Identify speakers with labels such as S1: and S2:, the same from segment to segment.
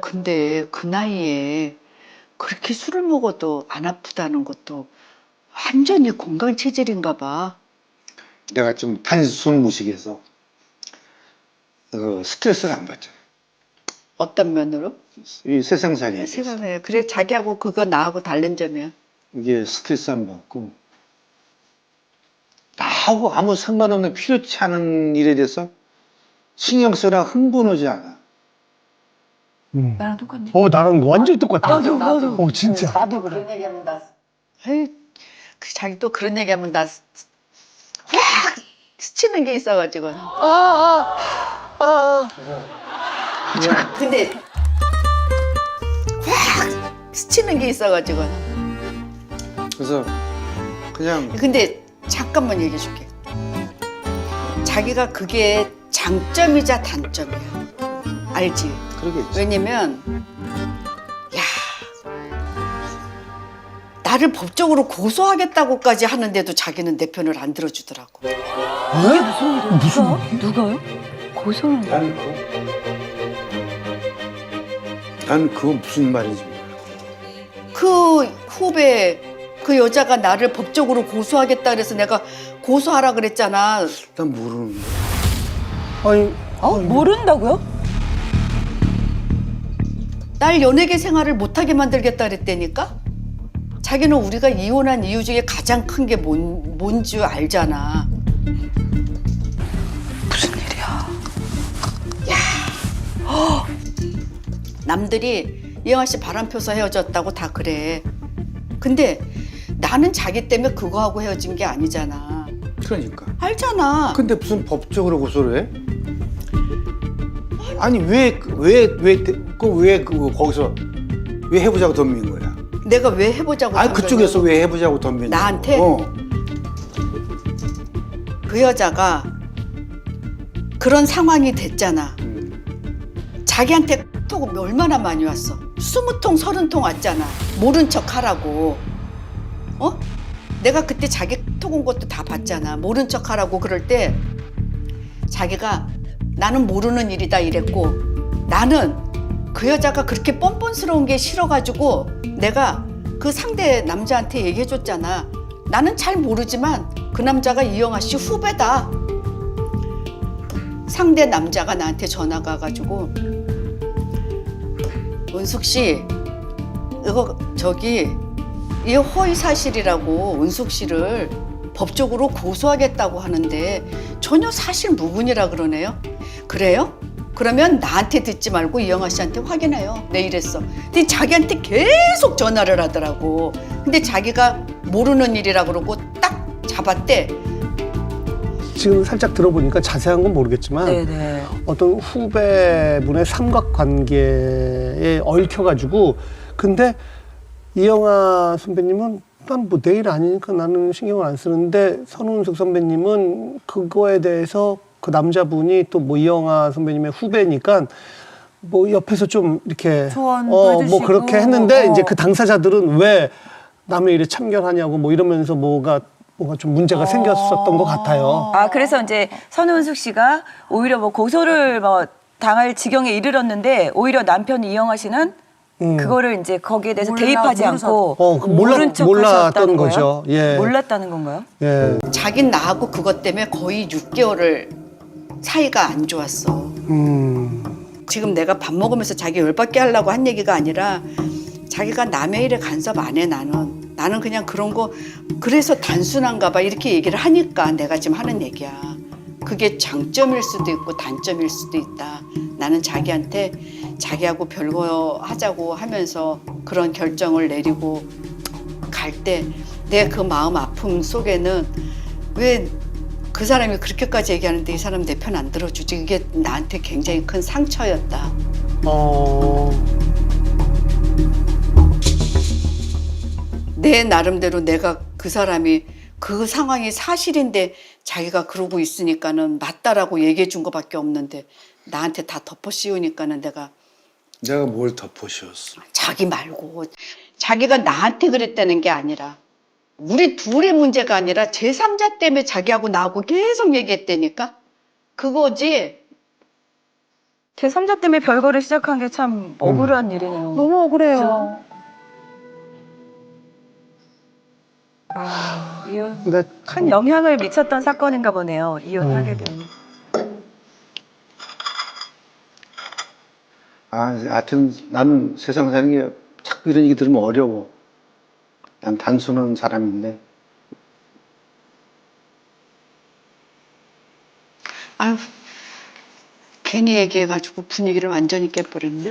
S1: 근데 그 나이에 그렇게 술을 먹어도 안 아프다는 것도 완전히 건강 체질인가 봐.
S2: 내가 좀 단순 무식해서 스트레스를 안 받잖아.
S1: 어떤 면으로?
S2: 이 세상살이
S1: 세상에. 그래, 자기하고 그거 나하고 다른 점이야.
S2: 이게 스트레스 안 받고 나하고 아무 상관없는 필요치 않은 일에 대해서 신경 쓰라 흥분하지 않아.
S1: 나랑 똑같네.
S3: 나랑 완전히 똑같아.
S1: 나도.
S3: 진짜.
S1: 나도 그래. 그런 얘기하면 나. 에이, 자기 또 그런 얘기하면 나 확 스치는 게 있어가지고. 근데 확 스치는 게 있어가지고.
S2: 그래서 그냥
S1: 근데 잠깐만 얘기해 줄게. 자기가 그게 장점이자 단점이야. 알지?
S2: 그러겠지.
S1: 왜냐면 야 나를 법적으로 고소하겠다고까지 하는데도 자기는 내 편을 안 들어주더라고.
S4: 누가요? 고소를.
S2: 난 그거 무슨 말인지 몰라.
S1: 그 후배 그 여자가 나를 법적으로 고소하겠다 그래서 내가 고소하라 그랬잖아.
S2: 난 모르는데.
S4: 모른다고요?
S1: 날 연예계 생활을 못하게 만들겠다 그랬다니까? 자기는 우리가 이혼한 이유 중에 가장 큰 게 뭔 줄 알잖아. 무슨 일이야? 남들이 이영아 씨 바람 펴서 헤어졌다고 다 그래. 근데 나는 자기 때문에 그거 하고 헤어진 게 아니잖아.
S2: 그러니까.
S1: 알잖아.
S2: 근데 무슨 법적으로 고소를 해? 아니 왜 거기서 왜 해보자고 덤빈 거야?
S1: 내가 왜 해보자고.
S2: 아니
S1: 한
S2: 그쪽에서
S1: 거냐고.
S2: 왜 해보자고 덤빈 거야?
S1: 나한테? 그 여자가 그런 상황이 됐잖아. 자기한테 톡 얼마나 많이 왔어. 20통 30통 왔잖아. 모른 척 하라고. 내가 그때 자기 톡 온 것도 다 봤잖아. 모른 척 하라고. 그럴 때 자기가 나는 모르는 일이다 이랬고, 나는 그 여자가 그렇게 뻔뻔스러운 게 싫어가지고 내가 그 상대 남자한테 얘기해줬잖아. 나는 잘 모르지만 그 남자가 이영아 씨 후배다. 상대 남자가 나한테 전화가 와가지고, 은숙 씨, 이거 허위 사실이라고 은숙 씨를 법적으로 고소하겠다고 하는데 전혀 사실 무근이라 그러네요. 그래요? 그러면 나한테 듣지 말고 이영아 씨한테 확인해요. 내 이랬어. 근데 자기한테 계속 전화를 하더라고. 근데 자기가 모르는 일이라 그러고 딱 잡았대.
S3: 지금 살짝 들어보니까 자세한 건 모르겠지만
S4: 네네.
S3: 어떤 후배분의 삼각관계에 얽혀가지고, 근데 이영아 선배님은 난 뭐 내 일 아니니까 나는 신경을 안 쓰는데, 선우은숙 선배님은 그거에 대해서 그 남자분이 또 뭐 이영아 선배님의 후배니까 뭐 옆에서 좀 이렇게
S4: 조언도
S3: 뭐
S4: 해주시고.
S3: 그렇게 했는데, 이제 그 당사자들은 왜 남의 일에 참견하냐고 뭐 이러면서 뭐가 좀 문제가 생겼었던 것 같아요.
S4: 그래서 이제 선우은숙 씨가 오히려 뭐 고소를 당할 지경에 이르렀는데, 오히려 남편 이영아 씨는 그거를 이제 거기에 대해서 대입하지 않고 모른 척
S3: 몰랐던
S4: 하셨다는
S3: 거죠.
S4: 거예요?
S3: 예.
S4: 몰랐다는 건가요?
S3: 예.
S1: 자긴 나하고 그것 때문에 거의 6개월을 사이가 안 좋았어. 지금 내가 밥 먹으면서 자기 열받게 하려고 한 얘기가 아니라, 자기가 남의 일에 간섭 안 해. 나는 그냥 그런 거 그래서 단순한가 봐 이렇게 얘기를 하니까 내가 지금 하는 얘기야. 그게 장점일 수도 있고 단점일 수도 있다. 나는 자기한테 자기하고 별거 하자고 하면서 그런 결정을 내리고 갈 때 내 그 마음 아픔 속에는 왜 그 사람이 그렇게까지 얘기하는데 이 사람 내 편 안 들어주지. 이게 나한테 굉장히 큰 상처였다. 내 나름대로 내가 그 사람이 그 상황이 사실인데 자기가 그러고 있으니까는 맞다라고 얘기해 준 것밖에 없는데 나한테 다 덮어 씌우니까는 내가
S2: 뭘 덮어 씌웠어?
S1: 자기 말고 자기가 나한테 그랬다는 게 아니라 우리 둘의 문제가 아니라 제3자 때문에 자기하고 나하고 계속 얘기했다니까? 그거지.
S4: 제3자 때문에 별거를 시작한 게 참 억울한 일이네요.
S5: 너무 억울해요.
S4: 이혼
S3: 근데
S4: 큰 영향을 미쳤던 사건인가 보네요. 이혼하게 된.
S2: 하여튼 나는 세상 사는 게 자꾸 이런 얘기 들으면 어려워. 난 단순한 사람인데.
S1: 아유, 괜히 얘기해가지고 분위기를 완전히 깨버렸네.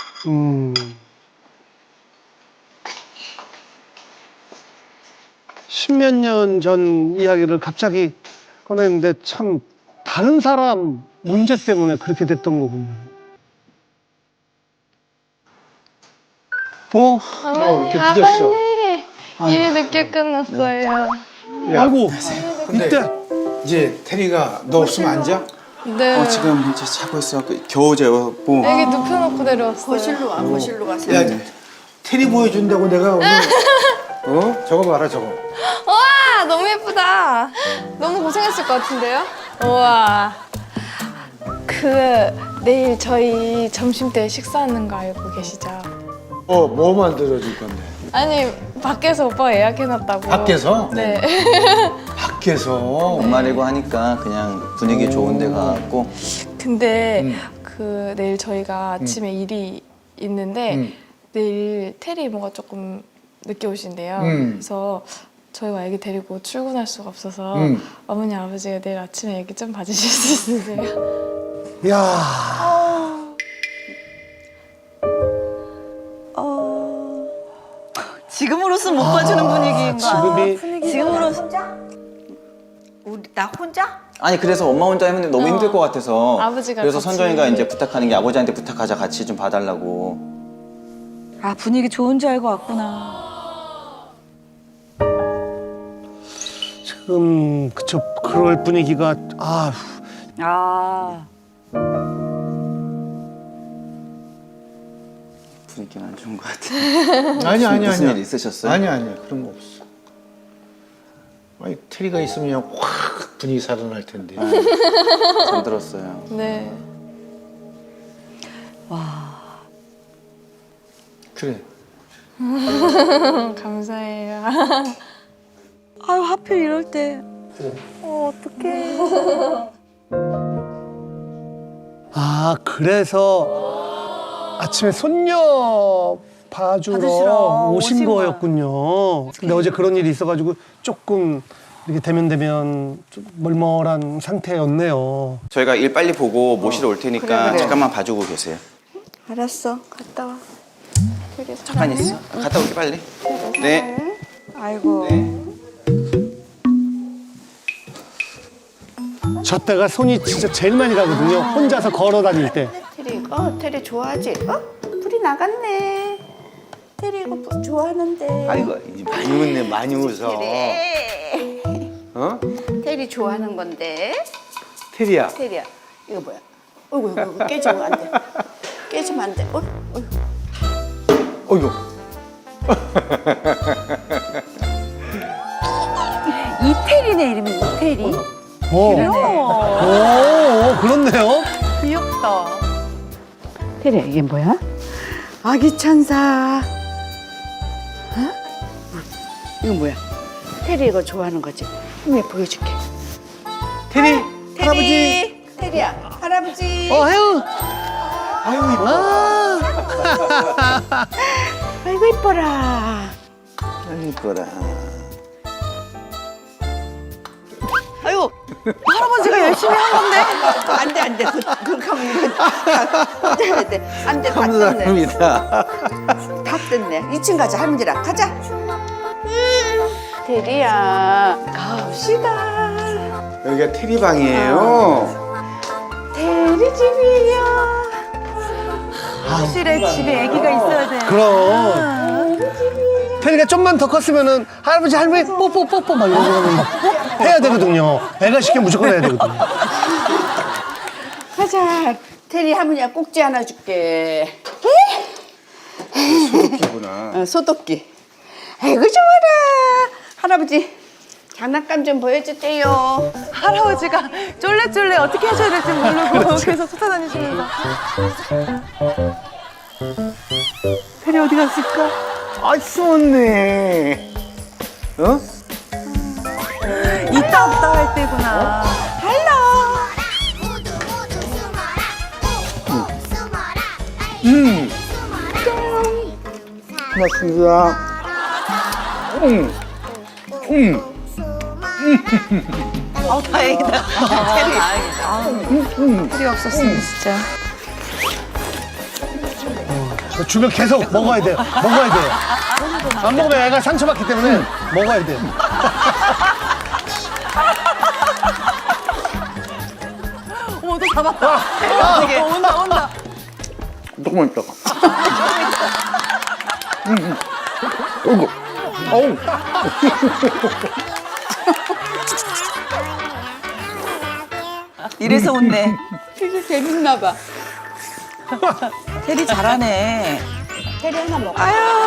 S3: 십몇 년 전 이야기를 갑자기 꺼냈는데 참 다른 사람 문제 때문에 그렇게 됐던 거군요.
S2: 이렇게 늦었어.
S5: 일이 늦게 끝났어요.
S3: 아이고, 이때
S2: 이제 테리가 너 없으면 안 자?
S5: 네.
S6: 지금 이제 자고 있어. 겨우 재웠고.
S5: 애기 눕혀놓고 내려왔어요.
S1: 거실로 와, 거실로 가서.
S2: 야, 테리 보여준다고 내가 오늘 저거 봐라 저거.
S5: 와, 너무 예쁘다. 너무 고생했을 것 같은데요? 우와. 내일 저희 점심 때 식사하는 거 알고 계시죠?
S2: 뭐 만들어줄 건데?
S5: 아니, 밖에서 오빠가 예약해놨다고.
S2: 밖에서?
S5: 네.
S2: 밖에서?
S6: 연말이고 하니까 그냥 분위기 좋은 데 가고.
S5: 근데 내일 저희가 아침에 일이 있는데 내일 테리 이모가 조금 늦게 오신대요. 그래서 저희와 애기 데리고 출근할 수가 없어서 어머니 아버지가 내일 아침에 애기 좀 봐주실 수 있으세요?
S3: 야
S4: 지금으로선 못 봐주는 분위기인가?
S3: 지금이
S4: 지금으로선 우리 나 혼자?
S6: 아니 그래서 엄마 혼자 했는데 너무 힘들 것 같아서.
S5: 아버지가
S6: 그래서
S5: 같이.
S6: 선정이가 이제 부탁하는 게 아버지한테 부탁하자 같이 좀 봐달라고.
S4: 아 분위기 좋은 줄 알고 왔구나.
S3: 지금 그쵸 그럴 분위기가
S4: 아
S6: 분위기는 안 좋은 것 같아.
S2: 아니야.
S6: 무슨 일 있으셨어요?
S2: 아니야. 그런 거 없어. 아니, 테리가 있으면 그냥 확 분위기 살아날 텐데.
S6: 잠들었어요.
S5: 네.
S2: 그래.
S5: 감사해요.
S4: 아유 하필 이럴 때. 어떡해.
S3: 아 그래서 아침에 손녀 봐주러
S4: 받으시러
S3: 오신
S4: 오신
S3: 거였군요. 근데 어제 그런 일이 있어가지고 조금 이렇게 대면 좀 멀멀한 상태였네요.
S6: 저희가 일 빨리 보고 모시러 올 테니까
S1: 그래.
S6: 잠깐만 봐주고 계세요.
S1: 알았어.
S5: 갔다 와.
S6: 잠깐 있어. 갔다 올게 빨리. 네.
S4: 아이고.
S3: 저 때가 손이 진짜 제일 많이 가거든요. 혼자서 걸어 다닐 때.
S1: 테리 좋아하지? 불이 나갔네. 테리 이거 좋아하는데.
S2: 아이고, 많이 웃네, 많이 웃어.
S1: 그래.
S2: 어?
S1: 테리 좋아하는 건데.
S2: 테리야.
S1: 테리야, 이거 뭐야? 이거 깨지면 안 돼. 깨지면 안 돼.
S2: 어이구.
S4: 이태리네 이름이 이태리.
S3: 오, 그렇네요.
S4: 귀엽다.
S1: 테리야, 이게 뭐야? 아기 천사. 이거 뭐야? 테리 이거 좋아하는 거지? 왜 보여줄게.
S3: 테리, 할아버지.
S1: 테리야, 할아버지.
S3: 혜우.
S2: 아이고, 이뻐.
S1: 아이고 이뻐라.
S2: 아이고, 이뻐라.
S1: 아유,
S4: 할아버지가 열심히 한 건데.
S1: 안 돼. 그렇게 하면 이거 다 돼. 안 돼, 다 뜯네.
S2: 감사합니다.
S1: 다 뜯네. 2층 가자, 할머니랑 가자. 테리야, 갑시다.
S2: 여기가 테리 방이에요.
S1: 테리 집이에요.
S4: 확실해 집에 아기가 있어야 돼.
S3: 그럼. 테리가 좀만 더 컸으면은 할아버지 할머니 뽀뽀 막 이런 거는 막 해야 되거든요. 애가 시키면 무조건 해야 되거든요.
S1: 가자. 테리 할머니가 꼭지 하나 줄게.
S2: 소독기구나.
S1: 소독기. 아이고 좋아라. 할아버지 장난감 좀 보여주세요.
S4: 할아버지가 쫄래쫄래 어떻게 하셔야 될지 모르고 계속 쫓아다니시면서.
S3: 테리 어디 갔을까?
S2: 아, 숨었네. 어?
S4: 있다 없다 할 때구나.
S2: 고맙습니다.
S4: 다행이다. 테리 없었으면 진짜.
S3: 주면 계속 먹어야 돼요. 먹어야 돼요. 안 먹으면 애가 상처받기 때문에 먹어야 돼요.
S4: 어머 또 잡았다. 온다.
S2: 조금만 있다가. 어이구. 어우.
S4: 이래서 온네.
S1: 되게 재밌나 봐.
S4: 테리 잘하네.
S1: 테리 하나 먹어.
S4: 아유